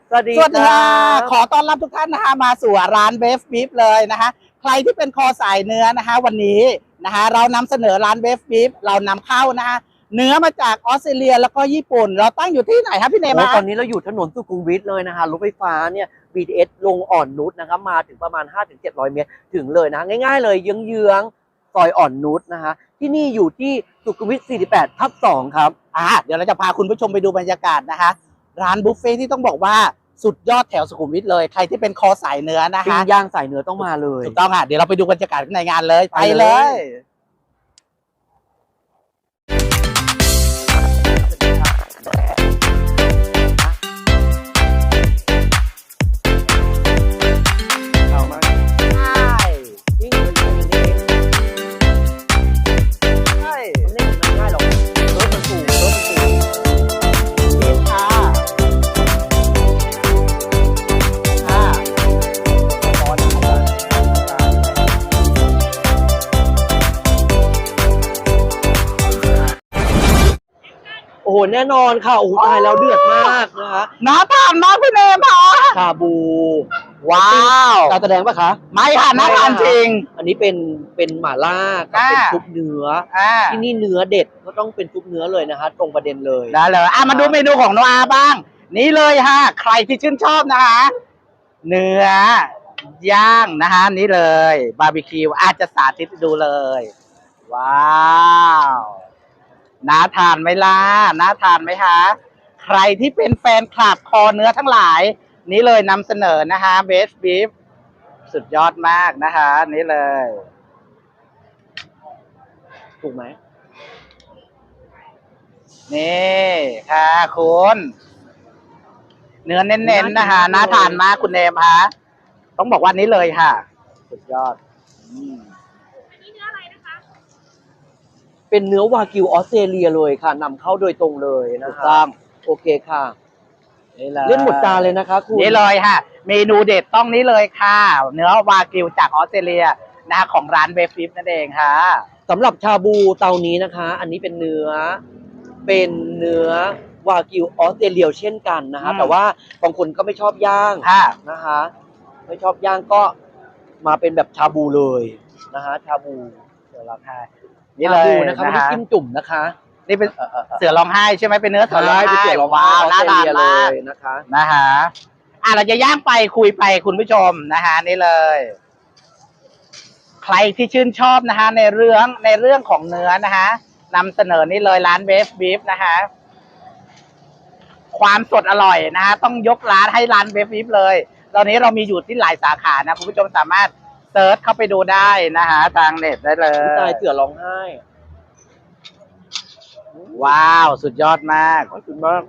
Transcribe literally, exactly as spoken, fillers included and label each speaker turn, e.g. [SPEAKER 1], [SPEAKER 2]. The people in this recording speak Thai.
[SPEAKER 1] สวัสดี
[SPEAKER 2] สวัสดีค่ะขอต้อนรับทุกท่านนะคะมาสู่ร้านเบฟบีฟเลยนะคะใครที่เป็นคอสายเนื้อนะคะวันนี้นะคะเรานำเสนอร้านเบฟบีฟเรานำเข้านะคะเนื้อมาจากออสเตรเลียแล้วก็ญี่ปุ่นเราตั้งอยู่ที่ไหนครับพี่เนม
[SPEAKER 1] ตอนนี้เราอยู่ถนนสุขุมวิทเลยนะคะรถไฟฟ้าเนี่ย บี ที เอส ลงอ่อนนุชนะครับมาถึงประมาณ ห้าถึงเจ็ดร้อย เมตรถึงเลยนะง่ายๆเลยเยื้องๆซอยอ่อนนุชนะคะที่นี่อยู่ที่สุขุมวิท สี่สิบแปดทับสอง ครับ
[SPEAKER 2] อ่าเดี๋ยวเราจะพาคุณผู้ชมไปดูบรรยากาศนะคะร้านบุฟเฟ่ที่ต้องบอกว่าสุดยอดแถวสุขุมวิทเลยใครที่เป็นคอสายเนื้อนะคะ
[SPEAKER 1] ปิ้งย่างสายเนื้อต้องมาเลย
[SPEAKER 2] ถูกต้องค่ะเดี๋ยวเราไปดูบรรยากาศในงานเลยไปเลย
[SPEAKER 1] โอ้โหแน่นอนค่ะโอ้โหตายแล้วเดือดมากนะคะ
[SPEAKER 2] น่าทานมากพี่เนมค่ะ
[SPEAKER 1] ชาบู
[SPEAKER 2] ว้าว
[SPEAKER 1] การแสดงปะคะ
[SPEAKER 2] ไม่ค่ะน่าทานจริง
[SPEAKER 1] อันนี้เป็นเป็นหม่าล่ากับเป็นซุปเนื้อที่นี่เนื้อเด็ดก็ต้องเป็นซุปเนื้อเลยนะคะตรงประเด็นเลย
[SPEAKER 2] ได้เลยอ่ะมาดูเมนูของโนอาบ้างนี่เลยฮะใครที่ชื่นชอบนะคะเนื้อย่างนะคะนี่เลยบาร์บีคิวอาจจะสาธิตดูเลยว้าวน่าทานไหมล่ะน่าทานไหมคะใครที่เป็นแฟนคลับคอเนื้อทั้งหลายนี่เลยนำเสนอนะคะเบสบีฟสุดยอดมากนะคะนี่เลย
[SPEAKER 1] ถูกไหม
[SPEAKER 2] นี่ค่ะคุณเนื้อเน้นๆนะคะน่าทานมากคุณเนมคะต้องบอกว่านี้เลยค่ะสุดยอด
[SPEAKER 1] เป็นเนื้อวากิวออสเตรเลียเลยค่ะนำเข้าโดยตรงเลยนะค
[SPEAKER 2] รั
[SPEAKER 1] บโอเคค่ะเล่นหมดจานเลยนะคะคุณ
[SPEAKER 2] นี่เลยค่ะเมนูเด็ดต้องนี้เลยค่ะเนื้อวากิวจากออสเตรเลียนะคะของร้านเบฟฟิปนั่นเองค่ะ
[SPEAKER 1] สำหรับชาบูเตานี้นะคะอันนี้เป็นเนื้อเป็นเนื้อวากิวออสเตรเลียเช่นกันนะคะแต่ว่าบางคนก็ไม่ชอบย่างนะคะไม่ชอบย่างก็มาเป็นแบบชาบูเลยนะคะชาบู
[SPEAKER 2] เดี๋ยวเราทายนี่เลย
[SPEAKER 1] นะคะไม่ได้จิ้มจุ่มนะคะ
[SPEAKER 2] นี่เป็นเสือร้องไห้ใช่ไหมเป็นเนื้อเสือร้องไห้
[SPEAKER 1] ว้าวน่าทานมาก
[SPEAKER 2] นะคะนะคะอ่ะเราจะย่างไปคุยไปคุณผู้ชมนะคะนี่เลยใครที่ชื่นชอบนะคะในเรื่องในเรื่องของเนื้อนะคะนำเสนอนี่เลยร้านเบฟบีฟนะคะความสดอร่อยนะคะต้องยกร้านให้ร้านเบฟบีฟเลยตอนนี้เรามีอยู่ที่หลายสาขานะคุณผู้ชมสามารถเซิร์ชเข้าไปดูได้นะคะทางเน็ตได้เลย
[SPEAKER 1] ตายเสือร้องไห้
[SPEAKER 2] ว้าวสุดยอดมาก
[SPEAKER 1] ขอบคุณมาก